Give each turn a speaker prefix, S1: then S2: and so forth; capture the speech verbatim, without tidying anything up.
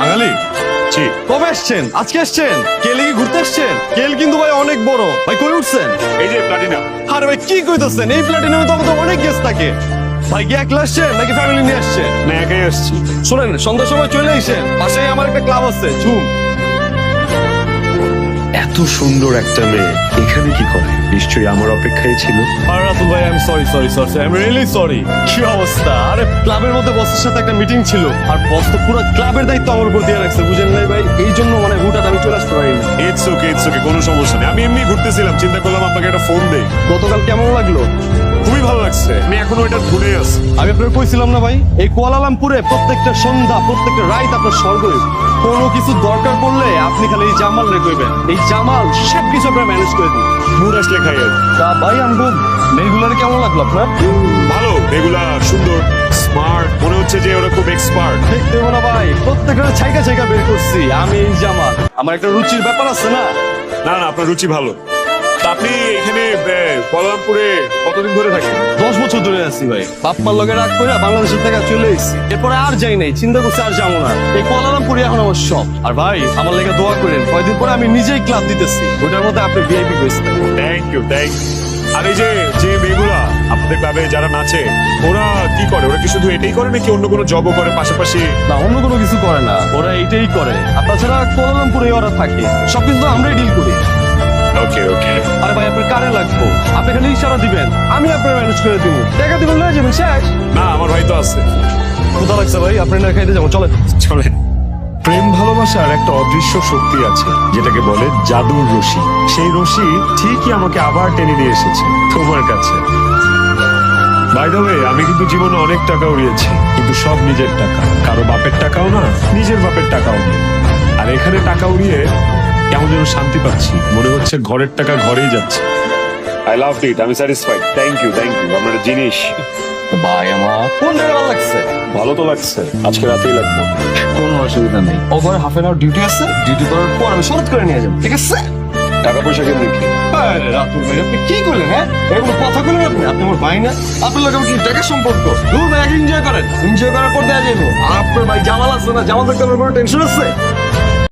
S1: বাঙালি
S2: জি
S1: কবে এসছেন? আজকে এসছেন? কেলে কি ঘুরতে এসছেন? কেল কিন্তু ভাই অনেক বড় ভাই, কই উঠছেন?
S2: এই যে প্লাটিনা।
S1: আরে ভাই কি কইতাছেন? এই প্ল্যাটিনামে তো আমাদের অনেক গেস্ট থাকে। ভাই কি একলা আসছেন নাকি ফ্যামিলি নিয়ে আসছেন?
S2: না একাই আসছি।
S1: শোনেন, সন্ধ্যার সময় চলে আইসেন, পাশেই আমার একটা ক্লাব আছে ঝুম।
S2: এত সুন্দর একটা মেয়ে এখানে কি করে? নিশ্চয়ই আমার অপেক্ষায় ছিল।
S1: আর রাতুল ভাই, I am sorry sorry sorry I am really sorry. কি অবস্থা? আরে ক্লাবের মধ্যে বসের সাথে একটা মিটিং ছিল, আর বস তো পুরো ক্লাবের দায়িত্ব আমার উপর দিয়ে রাখছে, বুঝেন নাই ভাই? এই জন্য মানে হুটাট আমি চলে আসতে পারিনি।
S2: ইটস ওকে ইটস ওকে, কোনো সমস্যা নেই। আমি এমনি ঘুরতেছিলাম, চিন্তা করলাম আপনাকে একটা ফোন দেই।
S1: গতকাল কেমন লাগলো?
S2: খুবই ভালো লাগছে, আমি এখনো এটা ঘুরে আছি।
S1: আমি আপনাকে কইছিলাম না ভাই, এই কুয়ালালামপুরে প্রত্যেকটা সন্ধ্যা প্রত্যেকটা রাত আপনার স্বর্গ। কোনো কিছু দরকার পড়লে আপনি খালি এই জামাল রে কইবেন, এই জামাল সব কিছু আপনার ম্যানেজ করে দিন।
S2: মুড আসলে খাই আর।
S1: তা ভাই আমগো মেয়েগুলার কেমন লাগলো আপনার?
S2: ভালো, এগুলা সুন্দর, স্মার্ট, মনে হচ্ছে যে ওরা খুব এক্সপার্ট।
S1: ঠিক দেবো না ভাই, প্রত্যেকটা ছাইকা ছাইকা বের করছি আমি এই জামাল। আমার একটা রুচির ব্যাপার আছে না।
S2: না না, আপনার রুচি ভালো। তা আপনি এখানে কুয়ালালামপুরে কতদিন ধরে থাকেন?
S1: দশ বছর ধরে আছি ভাই, বাপমার লগে রাগ করে বাংলাদেশের থেকে চলে এসেছি। এরপরে আর যাই নাই, চিন্তা করছি আর যাবো না। এই কুয়ালালামপুরে এখন আমার সব। আর ভাই আমার লেগে দোয়া করেন, কয়দিন পরে আমি নিজেই ক্লাব দিতেছি, ওটার মধ্যে আপনি ভিআইপি গেছেন।
S2: Thank you thank you. আর এই যে যে মেয়েগুলা আপনাদের ক্লাবে যারা নাচে, ওরা কি করে? ওরা কি শুধু এটাই করে নাকি অন্য কোনো জবও করে পাশাপাশি?
S1: না, অন্য কোনো কিছু করে না, ওরা এইটাই করে। আর তাছাড়া কুয়ালালামপুরে ওরা থাকে, সবকিছু তো আমরাই ডিল করি।
S2: ওকে ওকে।
S1: আরে ভাই আপনার কারে লাগবো? আপনি খালি ইশারা দিবেন, আমি আপনার ম্যানেজ করে দিব। টাকা দিবেন না যাবেন শেষ।
S2: না, আমার ভাই তো আছে।
S1: কোথা লাগছে ভাই? আপনি না খাইতে যাবো, চলে
S2: চলেন। প্রেম ভালোবাসার একটা অদৃশ্য শক্তি আছে যেটাকে বলে জাদুর রশি। সেই রশি ঠিকই আমাকে আবার টেনে নিয়ে এসেছে তোমার কাছে। বাই দ্য ওয়ে, আমি কিন্তু জীবনে অনেক টাকা উড়িয়েছি, কিন্তু সব নিজের টাকা, কারো বাপের টাকাও না, নিজের বাপের টাকাও না। আর এখানে টাকা উড়িয়ে কেমন যেন শান্তি পাচ্ছি, মনে হচ্ছে ঘরের টাকা ঘরেই যাচ্ছে। আই লাভ ইট, আমি satisfied. Thank you thank you. আপনার জিনিস
S1: ভাই আমার কোন জায়গায় ভালো লাগছে?
S2: ভালো তো লাগছে, আজকে রাতেই লাগবে।
S1: কোনো অসুবিধা নেই, ও ঘরে হাফ এন আওয়ার ডিউটি আছে, ডিউটি করার পর আমি শরৎ করে নিয়ে যাবো, ঠিক আছে?
S2: টাকা পয়সা কেমন কি?
S1: আরে রাতুল ভাই, আপনি কি করলেন? হ্যাঁ, এগুলো কথা বললেন আপনি? আপনি আমার ভাই না? আপনার লোক কি টাকা সম্পর্ক? দূর ভাই, আগে এনজয় করেন, এনজয় করার পর দেওয়া যাবো। আপনার ভাই জামাল আছে না, জামাল থাকতে আমার কোনো টেনশন আছে?